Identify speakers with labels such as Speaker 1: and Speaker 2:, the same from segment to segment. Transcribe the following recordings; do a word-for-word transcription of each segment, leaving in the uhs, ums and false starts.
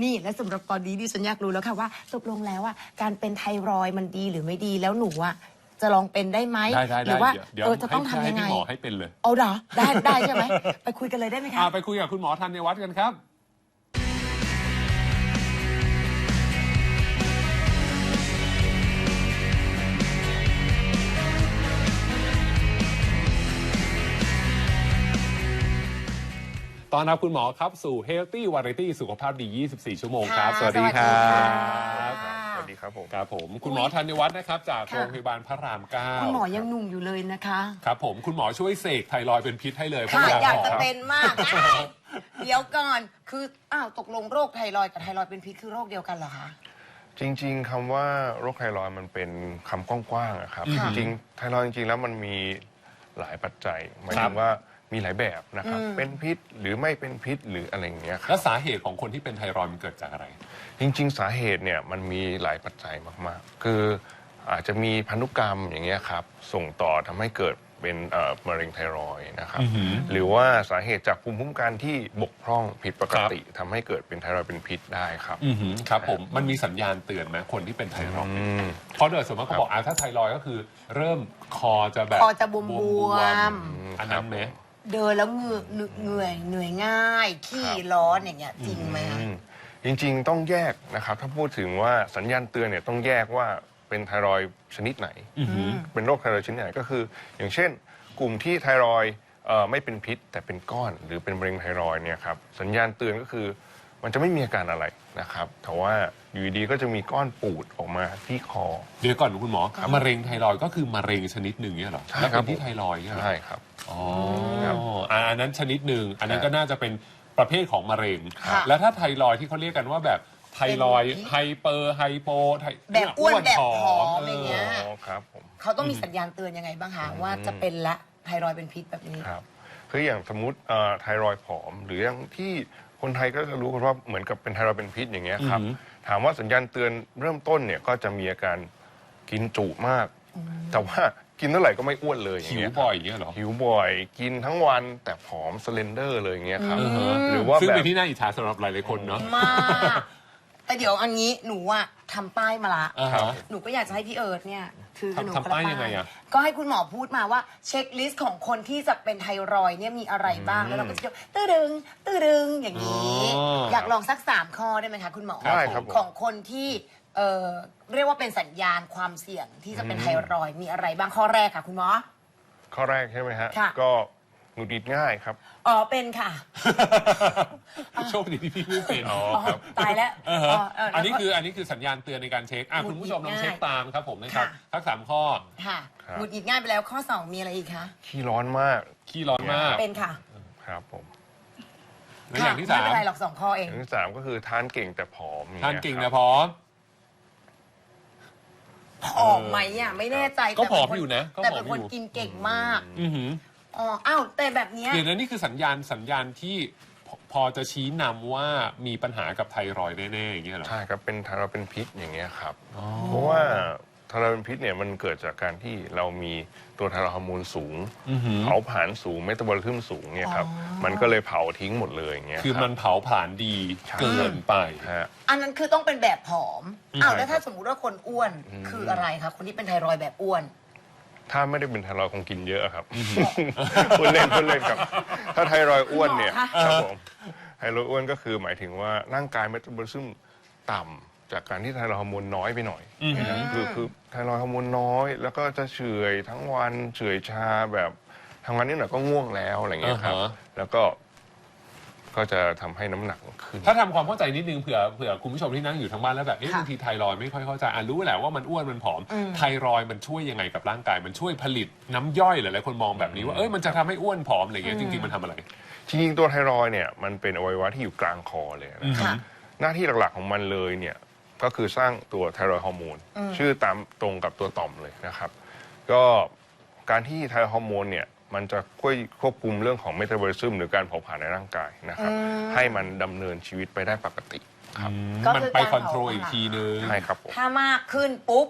Speaker 1: นี่และสำหรับตอนนี้ดิฉันอยากรู้แล้วค่ะว่าตกลงแล้วว่าการเป็นไทรอยด์มันดีหรือไม่ดีแล้วหนูอะจะลองเป็นได้ไหมหรือว่าเออจะต้องทำยังไง
Speaker 2: หมอให้เป็นเลย
Speaker 1: เอาเหรอได้ได้ใช่ไหมไปคุยกันเลยได้ไหมคะ
Speaker 2: ไปคุยกับคุณหมอธัญวัฒน์กันครับตอนรับคุณหมอครับสู่ Healthy Variety สุขภาพดียี่สิบสี่ชั่วโมงครับสวัสดีครับ
Speaker 3: สวัสดีครับผม
Speaker 2: ครับผมคุณหมอธัญวัฒน์นะครับจากโรงพยาบาลพระรามเก้า
Speaker 1: คุณหมอยังหนุ่มอยู่เลยนะคะ
Speaker 2: ครับผมคุณหมอช่วยเสกไทรอยด์เป็นพิษให้เลย
Speaker 1: ค่ะอยากจะเป็นมากเดี๋ยวก่อนคืออ้าวตกลงโรคไทรอยด์กับไทรอยด์เป็นพิษคือโรคเดียวกันเหรอคะ
Speaker 3: จริงๆคำว่าโรคไทรอยด์มันเป็นคำกว้างๆครับจริงๆไทรอยด์จริงๆแล้วมันมีหลายปัจจัยหมายถึงว่ามีหลายแบบนะครับเป็นพิษหรือไม่เป็นพิษหรืออะไรอย่างเงี้ยครับ
Speaker 2: แล้วสาเหตุของคนที่เป็นไทรอยด์มันเกิดจากอะไร
Speaker 3: จริงๆสาเหตุเนี่ยมันมีหลายปัจจัยมากๆคืออาจจะมีพันธุกรรมอย่างเงี้ยครับส่งต่อทำให้เกิดเป็นมะเร็งไทรอยด์นะครับหรือว่าสาเหตุจากภูมิคุ้มกันที่บกพร่องผิดปกติทำให้เกิดเป็นไทรอยด์เป็นพิษได้ครับ
Speaker 2: ครับผมมันมีสัญญาณเตือนไหมคนที่เป็นไทรอยด์เพราะโดยส่วนมากเขาบอกถ้าไทรอยด์ก็คือเริ่มคอจะแบบ
Speaker 1: คอจะบวม
Speaker 2: ๆอันนั้นไหม
Speaker 1: เดินแล้วเหงื่อเหนื่อยเหนื่อยง่ายขี้ร้อนอย่างเงี้ยจริงไหม
Speaker 3: จริงๆต้องแยกนะครับถ้าพูดถึงว่าสัญญาณเตือนเนี่ยต้องแยกว่าเป็นไทรอยด์ชนิดไหนเป็นโรคไทรอยด์ชนิดไหนก็คืออย่างเช่นกลุ่มที่ไทรอยด์ไม่เป็นพิษแต่เป็นก้อนหรือเป็นมะเร็งไทรอยด์เนี่ยครับสัญญาณเตือนก็คือมันจะไม่มีอาการอะไรนะครับแต่ว่าอยู่ดีก็จะมีก้อนปูดออกมาที่คอ
Speaker 2: เดี๋ยวก่อนคุณหมอมะเร็งไทรอยด์ก็คือมะเร็งชนิดหนึ่งเนี่ยหรอแล้วเป็นที่ไทรอยด์
Speaker 3: ใช่ครับ
Speaker 2: อ๋ออันนั้นชนิดหนึ่งอันนั้นก็น่าจะเป็นประเภทของมะเร็งแล้วถ้าไทรอยด์ที่เขาเรียกกันว่าแบบไทรอยด์ไฮเปอร์ไฮโป
Speaker 1: แบบอ้วนแบบผอมอย่างเงี้ย
Speaker 3: ครับผม
Speaker 1: เขาต้องมีสัญญาณเตือนยังไงบ้างคะว่าจะเป็นละไทรอยด์เป็นพิษแบบนี้
Speaker 3: ครับคืออย่างสมมติไทรอยด์ผอมหรืออย่างที่คนไทยก็จะรู้กันว่าเหมือนกับเป็นไทรอยด์เป็นพิษอย่างเงี้ยครับถามว่าสัญญาณเตือนเริ่มต้นเนี่ยก็จะมีอาการกินจุมากแต่ว่ากินเท่าไหร่ก็ไม่อ้วนเลย
Speaker 2: หิวบ่อยอย่างเงี้ยหรอ
Speaker 3: หิวบ่อยกินทั้งวันแต่ผอมสเลนเดอร์เลยอย่างเงี้ยครับ
Speaker 2: หรือว่าซึ่งเป็นที่น่าอิจฉาสำหรับหลายๆคนเนาะ
Speaker 1: มากแต่เดี๋ยวอันนี้หนูอะทำป้ายมาละหนูก็อยากจะให้พี่เอิร์ธเนี่ยคือ
Speaker 2: หนูทำป้ายยังไงอะ
Speaker 1: ก็ให้คุณหมอพูดมาว่าเช็คลิสต์ของคนที่จะเป็นไทรอยด์เนี่ยมีอะไรบ้างแล้วเราก็จะตื้อดึงตื้อดึงอย่างนี้อยากลองสักสามข้อได้ไหมคะคุณหมอ
Speaker 3: ได้ครับ
Speaker 1: ของคนที่เอ่อเรียกว่าเป็นสัญญาณความเสี่ยงที่จะเป็นไทรอยด์มีอะไรบ้างข้อแรกค่ะคุณหมอ
Speaker 3: ข้อแรกใช่ไหมฮะก็หงุดหงิดง่ายครับ
Speaker 1: อ๋อเป็นค่ะ
Speaker 2: โชคดีที่พี่ไม่เป็น
Speaker 1: อ๋อตายแล้ว
Speaker 2: อันนี้คืออันนี้คือสัญญาณเตือนในการเช็คคุณผู้ชมลองเช็คตามครับผมนะครับทั้งสามข้อ
Speaker 1: ค่ะหงุดหงิดง่ายไปแล้วข้อสองมีอะไรอีกคะ
Speaker 3: ขี้ร้อนมาก
Speaker 2: ขี้ร้อนมาก
Speaker 1: เป็นค่ะ
Speaker 3: ครับผม
Speaker 2: แล้วอย่างที่สาม
Speaker 1: ไม่เป็นไรหรอกสองข้อเอง
Speaker 3: อย่างที่สามก็คือทานเก่งแต่ผอม
Speaker 2: ทานเก่งแต่ผอม
Speaker 1: ผอมไหมอ่ะไม่แน่ใจ
Speaker 2: ก็ผอมอยู่นะ
Speaker 1: แต่เป็นคนกินเก่งมากอ๋ออ้าวแต่แบบนี้
Speaker 2: เดี๋ยวนะนี่คือสัญญาณสัญญาณที่พอจะชี้นำว่ามีปัญหากับไทรอยด์แน่ๆอย่างเงี้ยหรอ
Speaker 3: ใช่ครับเป็นไทรอยด์เป็นพิษอย่างเงี้ยครับเพราะว่าไทรอยด์เป็นพิษเนี่ยมันเกิดจากการที่เรามีตัวไทรอยด์ฮอร์โมนสูงเผาผลาญสูงเมตาบอลิซึมสูงเนี่ยครับมันก็เลยเผาทิ้งหมดเลยอย่างเงี้ย
Speaker 2: คือมันเผาผลาญดีเกินไป
Speaker 1: อันนั้นคือต้องเป็นแบบผอมอ้าวแล้วถ้าสมมุติว่าคนอ้วนคืออะไรคะคนที่เป็นไทรอยด์แบบอ้วน
Speaker 3: ถ้าไม่ได้เป็นไทรอยด์คงกินเยอะครับคุณเล่นคุณเล่นครับถ้าไทรอยด์อ้วนเนี่ยครับผมไทรอยด์อ้วนก็คือหมายถึงว่าร่างกายเมตาบอลิซึมต่ำจากการที่ไทรอยด์ฮอร์โมนน้อยไปหน่อยคือคือไทรอยด์ฮอร์โมนน้อยแล้วก็จะเฉื่อยทั้งวันเฉื่อยชาแบบทำงานนิดหน่อยก็ง่วงแล้วอะไรเงี้ยครับแล้วก็ก็จะทำให้น้ำหนักขึ้น
Speaker 2: ถ้าทำความเข้าใจนิดนึงเผื่อเผื่อคุณผู้ชมที่นั่งอยู่ทางบ้านแล้วแบบเอ๊ะบางทีไทรอยด์ไม่ค่อยเข้าใจอ่ะรู้แหละว่ามันอ้วนมันผอมไทรอยด์มันช่วยยังไงกับร่างกายมันช่วยผลิตน้ำย่อยหลายๆคนมองแบบนี้ว่าเอ้ยมันจะทำให้อ้วนผอมอะไรเงี้ยจริงๆมันทำอะไร
Speaker 3: จริงๆตัวไทรอยด์เนี่ยมันเป็นอวัยวะที่อยู่กลางคอเลยนะครับหน้าที่หลักๆของมันเลยเนี่ยก็คือสร้างตัวไทรอยด์ฮอร์โมนชื่อตามตรงกับตัวต่อมเลยนะครับก็การที่ไทรอยด์ฮอร์โมนเนี่ยมันจะช่วยควบคุมเรื่องของเมตาบอลิซึมหรือการเผาผลาญในร่างกายนะครับให้มันดำเนินชีวิตไปได้ปกติครับ
Speaker 2: มันไปคอนโทรลอีกทีนึง
Speaker 3: ใช่ครับ
Speaker 1: ถ้ามากขึ้นปุ๊บ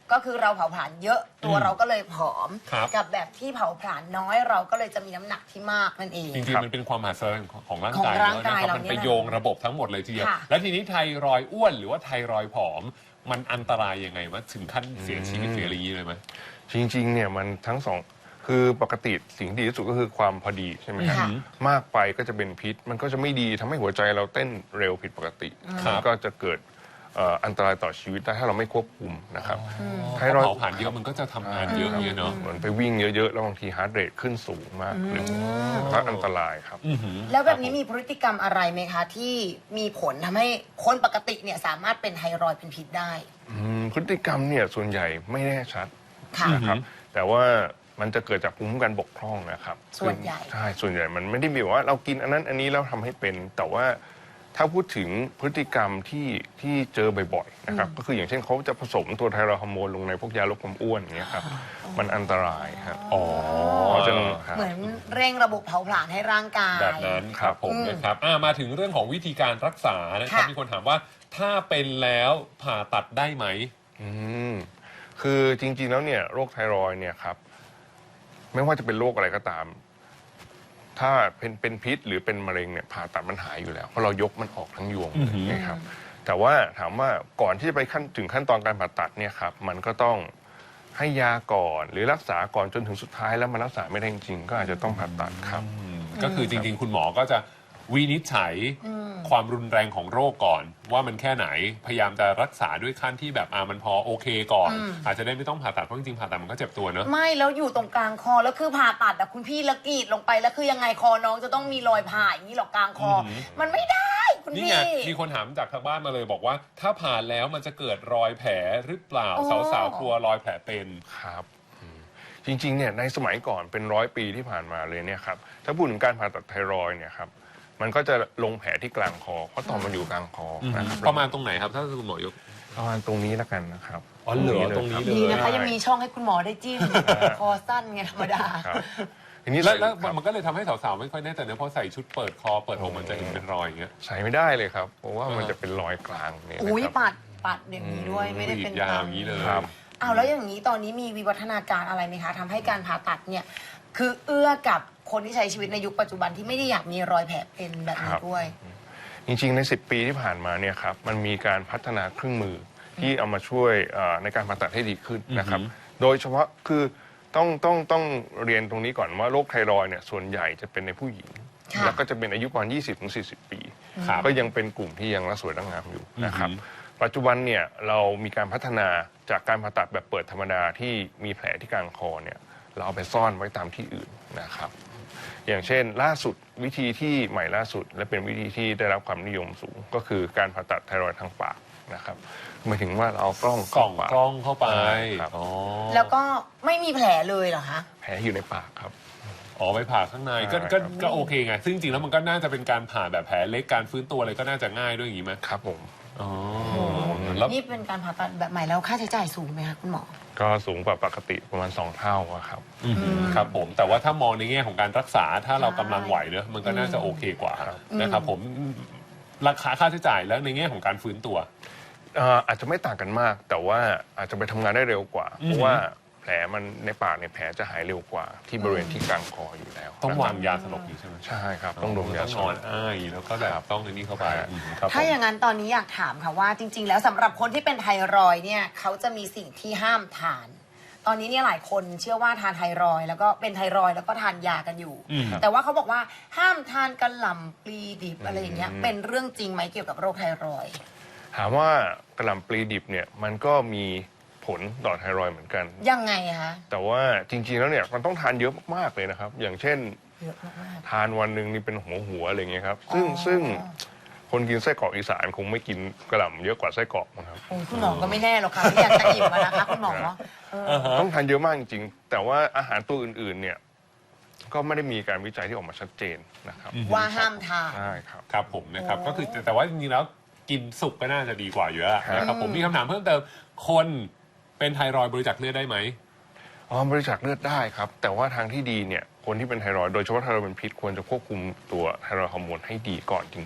Speaker 1: ก็คือเราเผาผลาญเยอะตัวเราก็เลยผอม
Speaker 2: ครับ
Speaker 1: กับแบบที่เผาผลาญน้อยเราก็เลยจะมีน้ำหนักที่มากนั่นเอง
Speaker 2: จริงๆมันเป็นความมหัศจรรย์ของร่าง
Speaker 1: ของ
Speaker 2: กาย
Speaker 1: ร่างกาย
Speaker 2: นะครับ
Speaker 1: เรา
Speaker 2: มัน
Speaker 1: เนี่ย
Speaker 2: ไปโยงระบบทั้งหมดเลยทีเดียว
Speaker 1: ค่ะ
Speaker 2: แล้วทีนี้ไทรอยด์อ้วนหรือว่าไทรอยด์ผอม มันอันตรายยังไงวะถึงขั้นเสียชีวิตเสียอะไรอย่างนี้เลยไหม
Speaker 3: จริงๆเนี่ยมันทั้งสองคือปกติสิ่งที่ดีที่สุดก็คือความพอดีใช่ไหมครับ
Speaker 1: ค่ะ
Speaker 3: มากไปก็จะเป็นพิษ มันก็จะไม่ดีทำให้หัวใจเราเต้นเร็วผิดปกติ
Speaker 2: ครับ
Speaker 3: มันก็จะเกิดเอ่ออันตรายต่อชีวิตได้ถ้าเราไม่ควบคุมนะครับ ไท
Speaker 2: ถ้าร
Speaker 3: อยด์
Speaker 2: เผาผลาญเยอะมันก็จะทำงานเยอะอย่างเงี้ยเนาะ
Speaker 3: เหมือนไปวิ่งเยอะๆ แล้วบางทีฮาร์ดเรทขึ้นสูงมากขึ้นก็อันตรายครับ
Speaker 2: อื้อหือ
Speaker 1: แล้วแบบนี้มีพฤติกรรมอะไรไหมคะ ที่มีผลทำให้คนปกติเนี่ยสามารถเป็นไทรอยด์เป็นพิษได้
Speaker 3: อืมพฤติกรรมเนี่ยส่วนใหญ่ไม่แน่ชัด
Speaker 1: ค่ะ
Speaker 3: นะครับ แต่ว่ามันจะเกิดจากภูมิคุ้มกันบกพร่องนะครับ
Speaker 1: ส่วนใหญ่
Speaker 3: ใช่ส่วนใหญ่มันไม่ได้มีว่าเรากินอันนั้นอันนี้แล้วทำให้เป็น แต่ว่าถ้าพูดถึงพฤติกรรมที่ที่เจอบ่อยๆนะครับก็คืออย่างเช่นเขาจะผสมตัวไทรอยด์ฮอร์โมนลงในพวกยาลดความอ้วนอย่างเงี้ยครับมันอันตรายครับ
Speaker 2: อ๋อ
Speaker 3: เพราะฉะนั้นครับ
Speaker 1: เหมือนเร่งระบบเผาผลาญให้ร่างกาย
Speaker 2: แบบนั้นครับผม
Speaker 1: อืม
Speaker 2: นะครับอ่ามาถึงเรื่องของวิธีการรักษานะครับ
Speaker 1: ค่ะ
Speaker 2: มีคนถามว่าถ้าเป็นแล้วผ่าตัดได้ไหม
Speaker 3: อืมคือจริงๆแล้วเนี่ยโรคไทรอยด์เนี่ยครับไม่ว่าจะเป็นโรคอะไรก็ตาม ถ้าเป็นเป็นพิษหรือเป็นมะเร็งเนี่ยผ่าตัดมันหายอยู่แล้วเพราะเรายกมันออกทั้งยวง
Speaker 2: อือหือ
Speaker 3: นะครับแต่ว่าถามว่าก่อนที่จะไปขั้นถึงขั้นตอนการผ่าตัดเนี่ยครับมันก็ต้องให้ยาก่อนหรือรักษาก่อนจนถึงสุดท้ายแล้วมันรักษาไม่ได้จริงๆก็อาจจะต้องผ่าตัดครับ
Speaker 2: อืมก็คือจริงๆ คุณหมอก็จะวินิจฉัยความรุนแรงของโรคก่อน ว่ามันแค่ไหนพยายามจะรักษาด้วยขั้นที่แบบอ่ามันพอโอเคก่อน อาจจะได้ไม่ต้องผ่าตัดเพราะจริงๆผ่าตัดมันก็เจ็บตัวเนอะ
Speaker 1: ไม่แล้วอยู่ตรงกลางคอแล้วคือผ่าตัดอะคุณพี่ละกรีดลงไปแล้วคือยังไงคอน้องจะต้องมีรอยผ่าอย่างนี้หรอกกลางคออ
Speaker 2: อหือ
Speaker 1: มันไม่ได้คุณ
Speaker 2: นี่
Speaker 1: พี่
Speaker 2: ไงมีคนถามจากทางบ้านมาเลยบอกว่า ถ้าผ่าแล้วมันจะเกิดรอยแผลหรือเปล่า
Speaker 1: โอ้
Speaker 2: สาวๆกลัวรอยแผลเป็น
Speaker 3: ครับอืมจริงๆเนี่ยในสมัยก่อนเป็นร้อยปีที่ผ่านมาเลยเนี่ยครับถ้าพูดถึงการผ่าตัดไทรอยด์เนี่ยครับมันก็จะลงแผลที่กลางคอเพราะต่อมมันอยู่กลางคอนะครับ
Speaker 2: ประมาณตรงไหนครับ ถ้าคุณหมอยก
Speaker 3: ประมาณตรงนี้แล้วกันนะครับ
Speaker 2: อ๋อเหรอ
Speaker 3: ลย
Speaker 2: ตรงนี้
Speaker 3: คบ
Speaker 2: เลย
Speaker 1: ดีนะคะยังมีช่องให้คุณหมอได้จิ้มคอสั้นไงธรรมดา
Speaker 3: ครับทีนี้
Speaker 2: แล้วแล้ว
Speaker 3: ครับ
Speaker 2: มันก็เลยทำให้สาวๆไม่ค่อยแน่ใจเนอะเพราะใส่ชุดเปิดคอเปิดอกมันจะเห็นเป็นรอยอย่างเงี้ย
Speaker 3: ใส่ไม่ได้เลยครับเพราะว่ามัน
Speaker 2: อ่า
Speaker 3: จะเป็นรอยกลางเนี่ยนะ
Speaker 1: อุ้ย
Speaker 3: ครับ
Speaker 1: ปัดปัดอย่างนี้ด้วยไม่ได้เป็น
Speaker 2: ยาวอย่างนี้เลย
Speaker 3: ครับ
Speaker 1: อ้าวแล้วอย่างนี้ตอนนี้มีวิวัฒนาการอะไรไหมคะทำให้การผ่าตัดเนี่ยคือเอื้อกับคนที่ใช้ชีวิตในยุคปัจจุบันที่ไม่ได้อยากมีรอยแผลเป็นแบบนี้ด้วย
Speaker 3: จริงๆในสิบปีที่ผ่านมาเนี่ยครับมันมีการพัฒนาเครื่องมือที่เอามาช่วยเอ่อในการผ่าตัดให้ดีขึ้นนะครับ
Speaker 2: อือหือ
Speaker 3: โดยเฉพาะคือต้องต้องต้องเรียนตรงนี้ก่อนว่าโรคไทรอยด์เนี่ยส่วนใหญ่จะเป็นในผู้หญิง
Speaker 1: ค่ะ
Speaker 3: แล้วก็จะเป็นอายุประมาณ ยี่สิบถึงสี่สิบ ปี
Speaker 2: ครับ
Speaker 3: ก็ยังเป็นกลุ่มที่ยังรักสวยรักงามอยู่นะครับ
Speaker 2: อือหื
Speaker 3: ปัจจุบันเนี่ยเรามีการพัฒนาจากการผ่าตัดแบบเปิดธรรมดาที่มีแผลที่กลางคอเนี่ยเราเอาไปซ่อนไว้ตามที่อื่นนะครับ อย่างเช่นล่าสุดวิธีที่ใหม่ล่าสุด และเป็นวิธีที่ได้รับความนิยมสูง ก็คือการผ่าตัดไทรอยด์ทางปากนะครับหมายถึงว่าเราเอากล้อง
Speaker 2: กล่อง
Speaker 3: ปาก
Speaker 2: กล้องเข้าไป
Speaker 3: ครับ
Speaker 2: อ๋อ
Speaker 1: แล้วก็ไม่มีแผลเลยเหรอคะ
Speaker 3: แผลอยู่ในปากครับ
Speaker 2: อ๋อไปผ่าข้างในก็
Speaker 3: ใช่
Speaker 2: ก็
Speaker 3: ครับ
Speaker 2: ก็โอเคไงซึ่งจริงๆแล้วมันก็น่าจะเป็นการผ่าแบบแผลเล็กการฟื้นตัวอะไรก็น่าจะง่ายด้วยอย่างนี้ไหม
Speaker 3: ครับผม
Speaker 2: อ๋อแล้ว
Speaker 1: นี่เป็นการผ่าตัดแบบใหม่แล้วค่าใช้จ่ายสูงไหมคะคุณหมอ
Speaker 3: ก็สูงกว่าปกติประมาณสองเท่าอะครับ
Speaker 2: อืมครับผมแต่ว่าถ้ามองในแง่ของการรักษาถ้าเรา
Speaker 1: ใช่
Speaker 2: กำลังไหวเนอะมันก็น่าจะโอเคกว่า
Speaker 3: ครับ
Speaker 2: นะครับผมราคาค่าใช้จ่ายแล้วในแง่ของการฟื้นตัว
Speaker 3: เอ่ออาจจะไม่ต่างกันมาก แต่ว่าอาจจะไปทำงานได้เร็วกว่า
Speaker 2: อือฮึ
Speaker 3: เพราะว่าแผลมันในปากเนี่ยแผลจะหายเร็วกว่า ที่บริเวณที่กลางคออยู่แล้ว
Speaker 2: ต้อง
Speaker 3: นะครับ
Speaker 2: วางยาสลบอยู่ใช่ไหม
Speaker 3: ใช่ครับ ต้องดมยา
Speaker 2: ต้อง
Speaker 3: ส
Speaker 2: น
Speaker 3: ล
Speaker 2: อน
Speaker 3: บ
Speaker 2: อ้ายแล้วก็แบบ
Speaker 3: ครับ
Speaker 2: ต้องในนี้เข้าไป
Speaker 3: ครับ
Speaker 2: อืมครับ
Speaker 1: ถ้า
Speaker 2: ผม
Speaker 1: อย่างนั้นตอนนี้อยากถามค่ะว่าจริง ๆ แล้วสำหรับคนที่เป็นไทรอยด์เนี่ยเขาจะมีสิ่งที่ห้ามทาน ตอนนี้เนี่ยหลายคนเชื่อว่าทานไทรอยด์แล้วก็เป็นไทรอยด์แล้วก็ทานยากันอยู่
Speaker 2: อืม
Speaker 1: แต่ว่าเขาบอกว่าห้ามทานกระหล่ำปลีดิบอะไรอย่างเงี้ยเป็นเรื่องจริงไหมเกี่ยวกับโรคไทรอยด์
Speaker 3: ถามว่ากระหล่ำปลีดิบเนี่ยมันก็มีผลต่อไทรอยด์เหมือนกัน
Speaker 1: ยังไงคะ
Speaker 3: แต่ว่าจริงๆแล้วเนี่ยมันต้องทานเยอะมากๆเลยนะครับ อย่างเช่น
Speaker 1: เยอะมาก
Speaker 3: ทานวันหนึ่งนี่เป็นหัวหัวๆอะไรเงี้ยครับ ซึ่ง
Speaker 1: อ๋อ
Speaker 3: ซึ่งคนกินไส้กรอกอีสานคงไม่กินกระหล่ำเยอะกว่าไส้กรอกนะครับ
Speaker 1: โอ้ยคุณหมอก็ไม่แน่หรอกค่ะไม่อยากจะอิ่มอะนะคะคุณหมอเออ
Speaker 3: ต้องทานเยอะมากจริงๆ แต่ว่าอาหารตัวอื่นๆ เนี่ย ก็ไม่ได้มีการวิจัยที่ออกมาชัดเจนนะครับ
Speaker 1: ว่าห้ามทาน
Speaker 3: ใช่ครับ
Speaker 2: ครับผมนะครับ
Speaker 1: โอ้
Speaker 2: ก็คือแต่แต่ว่าจริงๆแล้วกินสุกก็น่าจะดีกว่าอยู่แล้วนะครับผมมีคำถามเพิ่มเติมคนเป็นไทรอยด์บริจาคเลือดได้ไหม
Speaker 3: อ๋อบริจาคเลือดได้ครับ แต่ว่าทางที่ดีเนี่ย คนที่เป็นไทรอยด์โดยเฉพาะไทรอยด์เป็นพิษควรจะควบคุมตัวไทรอยด์ฮอร์โมนให้ดีก่อนจริง ๆ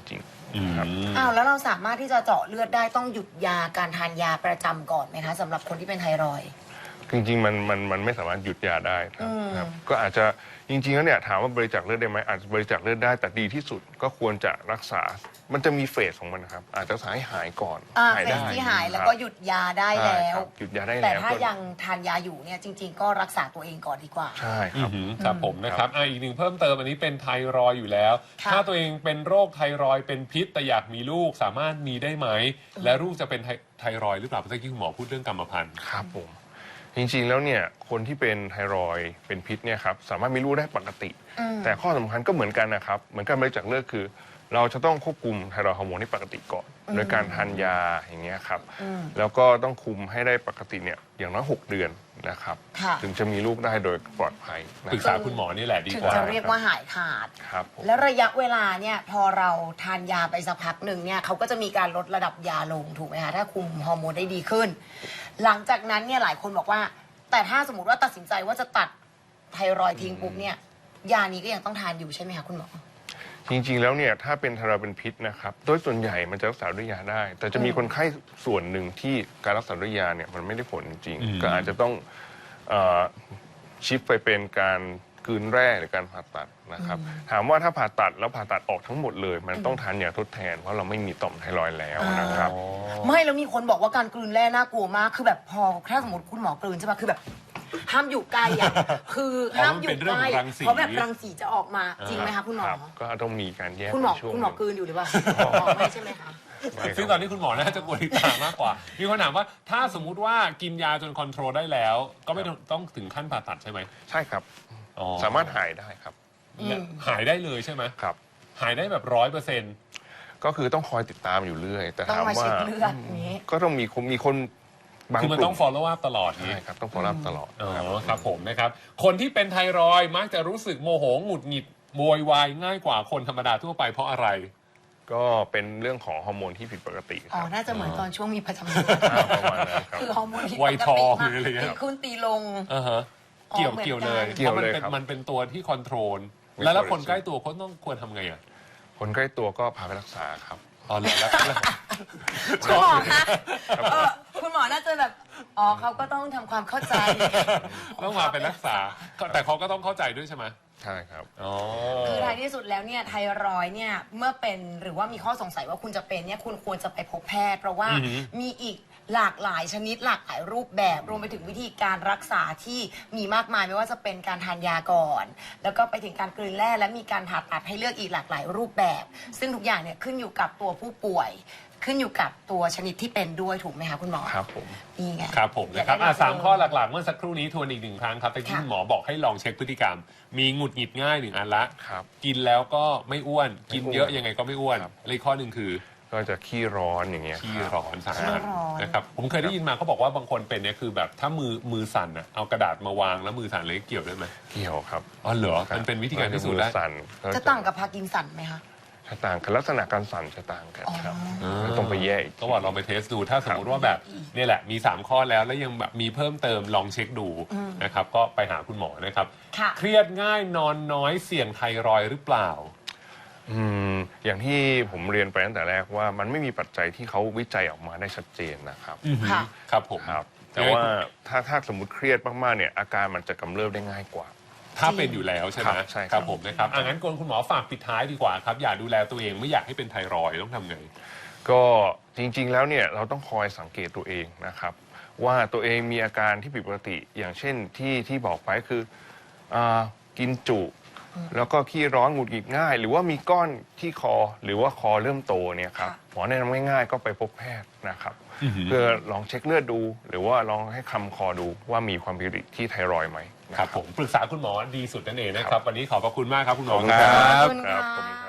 Speaker 2: อืม
Speaker 1: อ้าวแล้วเราสามารถที่จะเจาะเลือดได้ต้องหยุดยาการทานยาประจำก่อนไหมคะสำหรับคนที่เป็นไทรอยด์
Speaker 3: จริงๆมันมันมันไม่สามารถหยุดยาได้ครับ
Speaker 1: อืม
Speaker 3: ครับก็อาจจะจริงๆแล้วเนี่ยถามว่าบริจาคเลือดได้ไหมอาจจะบริจาคเลือดได้แต่ดีที่สุดก็ควรจะรักษา มันจะมีเฟสของมันนะครับอาจจะรักษาให้หายก่อน
Speaker 1: อ่า
Speaker 3: หาย
Speaker 1: เฟ
Speaker 3: ได้
Speaker 1: สที่หายแล้ว
Speaker 3: ครับ
Speaker 1: ก็หยุดยาได้
Speaker 3: ใช่
Speaker 1: แล้ว
Speaker 3: ครับหยุดยาได้
Speaker 1: แต่
Speaker 3: แล้ว
Speaker 1: ถ้า
Speaker 3: ก็
Speaker 1: ยังทานยาอยู่เนี่ยจริง ๆ ก็รักษาตัวเองก่อนดีกว่า
Speaker 3: ใช่ค
Speaker 2: อื
Speaker 3: รับ
Speaker 2: อหือครับผมนะครับอ่ะอีกหนึ่งเพิ่มเติมอันนี้เป็นไทรอยด์อยู่แล้ว
Speaker 1: ค่ะ
Speaker 2: ถ้าตัวเองเป็นโรคไทรอยด์เป็นพิษแต่อยากมีลูกสามารถมีได้ไหม และลูกจะเป็นไทไทรอยด์หรือเปล่าเมื่อกี้คุณหมอพูดเรื่องกรรมพันธุ์
Speaker 3: ครับผมจริงๆแล้วเนี่ยคนที่เป็นไทรอยด์เป็นพิษเนี่ยครับสามารถมีลูกได้ปกติ
Speaker 1: อืม
Speaker 3: แต่ข้อสำคัญก็เหมือนกันนะครับเหมือนการบริจาคเลือดคือ เราจะต้องควบคุมไทรอยด์ฮอร์โมนให้ปกติก่อนโดยการทานยาอย่างเงี้ยครับ
Speaker 1: อืม
Speaker 3: แล้วก็ต้องคุมให้ได้ปกติเนี่ยอย่างน้อยหกเดือนนะครับ
Speaker 1: ค่ะ
Speaker 3: ถึงจะมีลูกได้โดยปลอดภัยนะ
Speaker 2: ปรึก
Speaker 3: ค
Speaker 2: ษา
Speaker 3: รับ
Speaker 2: คุณหมอนี่แหละดี
Speaker 1: ถึง
Speaker 2: กว่า
Speaker 1: จะเรียกว่าหายขาด
Speaker 3: ครับผม
Speaker 1: แล้วระยะเวลาเนี่ยพอเราทานยาไปสักพักหนึ่งเนี่ยเขาก็จะมีการลดระดับยาลงถูกไหมคะถ้าคุมฮอร์โมนได้ดีขึ้น หลังจากนั้นเนี่ยหลายคนบอกว่า แต่ถ้าสมมติว่าตัดสินใจว่าจะตัดไทรอยด์ทิ้งปุ๊บเนี่ยยานี้ก็ยังต้องทานอยู่ใช่ไหมคะคุณหมอ
Speaker 3: จริงๆแล้วเนี่ยถ้าเป็นไทรอยด์เป็นพิษนะครับโดยส่วนใหญ่มันจะรักษาด้วยยาได้ แต่จะมีคนไข้ส่วนหนึ่งที่การรักษาด้วยยาเนี่ยมันไม่ได้ผลจริง
Speaker 2: อืม
Speaker 3: ๆก็อาจจะต้องเอ่อชิฟไปเป็นการกลืนแร่หรือการผ่าตัดนะครับถามว่าถ้าผ่าตัดแล้วผ่าตัดออกทั้งหมดเลย มันต้องทานยาทดแทนเพราะเราไม่มีต่อมไทรอยด์แล้วนะครับ
Speaker 2: อ๋อ
Speaker 1: ไม่แล้วมีคนบอกว่าการกลืนแร่น่ากลัวมากคือแบบพอถ้าสมมติคุณหมอกลืนใช่ปะคือแบบห้ามอยู่ใกล้อะคือห้ามอยู่ใกล้เพราะแบบรังสีจะออกมาจริงไหมคะคุณหมอ
Speaker 3: ครับก็ต้องมีการแยก
Speaker 1: คุณหมอ
Speaker 3: ในช่วง
Speaker 1: คุณหมอกลืนอยู่หรือเปล่าหมอไม่ใช่ไหมคะ
Speaker 3: ไม่ครับ
Speaker 2: ซึ่งตอนนี้คุณหมอน่าจะกลัวลิตามากกว่า มีคนถามว่าถ้าสมมุติว่ากินยาจนคอนโทรลได้แล้ว ก็ไม่ต้องต้องถึงขั้นผ่าตัดใช่ไหม
Speaker 3: ใช่ครับ
Speaker 2: อ๋อ
Speaker 3: สามารถหายได้ครับ
Speaker 1: อืม
Speaker 2: หายได้เลยใช่ไหม
Speaker 3: ครับ
Speaker 2: หายได้แบบร้อยเปอร์เซ็นต์
Speaker 3: ก็คือต้องคอยติดตามอยู่เรื่อย แต่
Speaker 1: ต้อง
Speaker 3: ถาม
Speaker 1: มา
Speaker 3: ว่า
Speaker 1: เช็คเลือดอย่างนี้
Speaker 3: ก็ต้องมีคนมีคนบาง
Speaker 2: คือมัน
Speaker 3: กลุ่
Speaker 2: ต้อง
Speaker 3: ม
Speaker 2: follow up ตลอดนี้
Speaker 3: ใช่ครับต้อง follow up ตลอด
Speaker 2: อ๋อ
Speaker 3: ครับ
Speaker 2: ครับผมนะครับ คนที่เป็นไทรอยด์มักจะรู้สึกโมโหหงุดหงิดโวยวายง่ายกว่าคนธรรมดาทั่วไปเพราะอะไร
Speaker 3: ก็เป็นเรื่องของฮอร์โมนที่ผิดปกติค
Speaker 1: อ๋อ
Speaker 3: รับ
Speaker 1: น่าจะเหมือนตอนช่วงมีประจำเดือน
Speaker 3: อ่าประมาณนั้นครับ
Speaker 1: คือฮอร์โมนที่
Speaker 2: วัยทอง
Speaker 1: ปกติ
Speaker 2: หรืออะไรเงี้ย
Speaker 1: ตีขึ้นตีลง
Speaker 2: อ่าฮะเกี่ยว
Speaker 1: อ๋อเหมือน
Speaker 2: เกี่ยวเลย
Speaker 1: กัน
Speaker 3: เกี่ยวเลย
Speaker 2: พราะมันเป็น
Speaker 3: ครับ
Speaker 2: มันเป็นตัวที่คอนโทรล
Speaker 3: ไม่
Speaker 2: แล้วแล้ว
Speaker 3: ควร
Speaker 2: คนใกล้ตัวเขาต้องควรทำไงอ่ะ
Speaker 3: คนใกล้ตัวก็พาไปรักษาครับ
Speaker 2: อ๋อเหรอแล้วแล้ว
Speaker 1: คุณหมอคะเออคุณหมอน่าจะแบบอ๋อเขาก็ต้องทำความเข้าใจ
Speaker 2: ต้องมาเป็นรักษาก็แต่เขาก็ต้องเข้าใจด้วยใช่ไหม
Speaker 3: ใช่ครับ
Speaker 2: อ๋อ
Speaker 1: คือท้ายที่สุดแล้วเนี่ยไทรอยด์เนี่ยเมื่อเป็นหรือว่ามีข้อสงสัยว่าคุณจะเป็นเนี่ยคุณควรจะไปพบแพทย์ เพราะว่ามีอีกหลากหลายชนิดหลากหลายรูปแบบรวมไปถึงวิธีการรักษาที่มีมากมายไม่ว่าจะเป็นการทานยาก่อน แล้วก็ไปถึงการกลืนแร่และมีการผ่าตัดให้เลือกอีกหลากหลายรูปแบบ ซึ่งทุกอย่างเนี่ยขึ้นอยู่กับตัวผู้ป่วย ขึ้นอยู่กับตัวชนิดที่เป็นด้วยถูกไหมคะคุณหมอ
Speaker 3: ครับผม
Speaker 1: นี่ไง
Speaker 2: ครับผมนะครับ
Speaker 1: อยกได้
Speaker 2: อ่ะสาม
Speaker 1: แบบ
Speaker 2: ข้อหลักๆ เมื่อสักครู่นี้ทวนอีกหนึ่งครั้งครับแต่ที่
Speaker 1: ค่ะ
Speaker 2: คุณหมอบอกให้ลองเช็คพฤติกรรม มีหงุดหงิดง่ายหนึ่งอันละ
Speaker 3: ครับ
Speaker 2: กินแล้วก็ไม่อ้วน กินเยอะ
Speaker 3: ไม่อ้วน
Speaker 2: ยังไงก็ไม่อ้วน
Speaker 3: ครับ
Speaker 2: เลยข้อหนึ่งคือ
Speaker 3: ก็จะขี้ร้อนอย่างเงี้ย
Speaker 2: ขี้
Speaker 3: ครับ
Speaker 2: ร้อนสา
Speaker 1: ขี้
Speaker 2: หัส
Speaker 1: ร้อน
Speaker 2: นะครับผมเคยได้ยินมาเขาบอกว่าบางคนเป็นเนี่ยคือแบบถ้ามือมือสั่นอ่ะเอากระดาษมาวางแล้วมือสั่นเลยเกี่ยวด้วยไหม
Speaker 3: เกี่ยวครับ
Speaker 2: อ๋อเหรอมันเป็นวิธีการพิสูจน์ได้
Speaker 3: มือสั่นก็
Speaker 1: จะต่างกับพาร์กินสันไหมคะ
Speaker 3: จะต่างกันลักษณะการสั่นจะต่างกันครับ
Speaker 2: อ๋อ
Speaker 3: ก็ต้องไปแยกอีก
Speaker 2: ก็ว่าลองไปเทสดูถ้าสมมติว่าแบบเนี่ยแหละมีสามข้อแล้วแล้วยังแบบมีเพิ่มเติมลองเช็คดูนะครับก็ไปหาคุณหมอนะครับ
Speaker 1: ค่ะ
Speaker 2: เครียดง่ายนอนน้อยเสี่ยงไทรอยด์หรือเปล่า
Speaker 3: อืมอย่างที่ผมเรียนไปตั้งแต่แรกว่ามันไม่มีปัจจัยที่เขาวิจัยออกมาได้ชัดเจนนะครับ
Speaker 1: ค่ะ
Speaker 2: ครับผม
Speaker 3: ครับ แต่ว่าถ้าถ้าสมมติเครียดมากๆเนี่ยอาการมันจะกำเริบได้ง่ายกว่า
Speaker 2: ถ้าเป็นอยู่แล้วใช่ไหม
Speaker 3: ครับใช่ครับ
Speaker 2: ครับผมนะครับอ่ะงั้นคุณหมอฝากปิดท้ายดีกว่าครับอย่าดูแลตัวเองไม่อยากให้เป็นไทรอยด์ต้องทำไง
Speaker 3: ก็จริงๆแล้วเนี่ยเราต้องคอยสังเกตตัวเองนะครับ ว่าตัวเองมีอาการที่ผิดปกติอย่างเช่นที่ที่บอกไปคืออากินจุ แล้วก็ขี้ร้อนหงุดหงิดง่าย หรือว่ามีก้อนที่คอหรือว่าคอเริ่มโตเนี่ยครับ
Speaker 1: ค่ะ
Speaker 3: หมอแนะนำง่ายๆก็ไปพบแพทย์นะครับ
Speaker 2: อือหือ
Speaker 3: เพื่อลองเช็คเลือดดู หรือว่าลองให้คำคอดูว่ามีความผิดปกติที่ไทรอยด์ไหมนะ
Speaker 2: ครับผมปรึกษาคุณหมอดีสุดนั่นเองนะครับ วันนี้ขอบพระคุณมากครับคุณหมอ
Speaker 3: ขอบคุณ
Speaker 2: ค
Speaker 3: ค
Speaker 2: รั
Speaker 3: รับ
Speaker 1: ขอบคุณ
Speaker 3: ครับ
Speaker 1: ค่ะ
Speaker 3: ขอบคุณครับ